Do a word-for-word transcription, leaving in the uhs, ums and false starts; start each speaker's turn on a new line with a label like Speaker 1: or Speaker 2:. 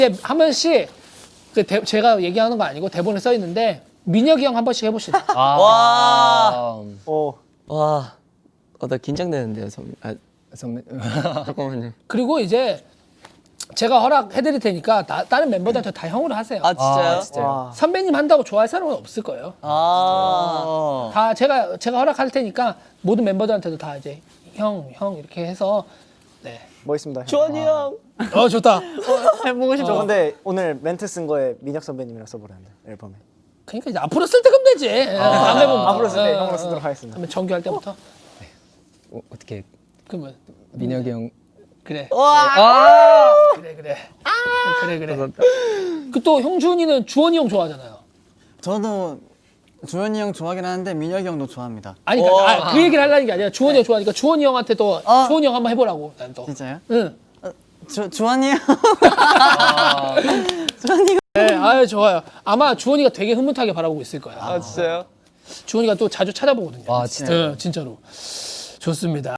Speaker 1: 이제 한 번씩 그 대, 제가 얘기하는 거 아니고 대본에 써 있는데 민혁이 형 한 번씩 해봅시다.
Speaker 2: 아.
Speaker 3: 와.
Speaker 4: 어.
Speaker 3: 와. 어, 나 긴장되는데요, 선배. 아,
Speaker 2: 선배.
Speaker 3: 잠깐만요.
Speaker 1: 그리고 이제 제가 허락해드릴 테니까 나, 다른 멤버들한테 다 형으로 하세요.
Speaker 3: 아, 진짜요?
Speaker 2: 아, 진짜요?
Speaker 4: 와.
Speaker 1: 선배님 한다고 좋아할 사람은 없을 거예요.
Speaker 3: 아.
Speaker 1: 다 제가 제가 허락할 테니까 모든 멤버들한테도 다 이제 형, 형 이렇게 해서 네.
Speaker 4: 멋있습니다. 형.
Speaker 3: 주원이 형.
Speaker 1: 어 좋다.
Speaker 4: 해보고 싶죠. 근데 오늘 멘트 쓴 거에 민혁 선배님이랑 써보라는데 앨범에.
Speaker 1: 그러니까 이제 앞으로 쓸 때 그럼 되지. 다음에 보면
Speaker 4: 앞으로 쓸 때
Speaker 1: 어,
Speaker 4: 형으로
Speaker 1: 어,
Speaker 4: 쓰도록
Speaker 1: 어.
Speaker 4: 하겠습니다.
Speaker 1: 그러면 정규할 때부터
Speaker 2: 어, 어떻게
Speaker 1: 그러면
Speaker 2: 민혁이 형.
Speaker 1: 그래.
Speaker 3: 와.
Speaker 1: 그래 그래. 그래 그래. 그 또 형준이는 주원이 형 좋아하잖아요.
Speaker 5: 저도 주현이 형 좋아하긴 하는데 민혁이 형도 좋아합니다.
Speaker 1: 아니 그러니까 아, 그 얘기를 하려는 게 아니라 주원이 형 좋아하니까 주원이 형한테 또
Speaker 5: 어.
Speaker 1: 주원이 형 한번 해보라고 난 또.
Speaker 5: 진짜요?
Speaker 1: 응.
Speaker 5: 주 주환이 형.
Speaker 1: 네, 아유 좋아요. 아마 주원이가 되게 흐뭇하게 바라보고 있을 거야.
Speaker 3: 아, 진짜요?
Speaker 1: 주원이가 또 자주 찾아보거든요.
Speaker 2: 와, 진짜.
Speaker 1: 네, 진짜로. 좋습니다.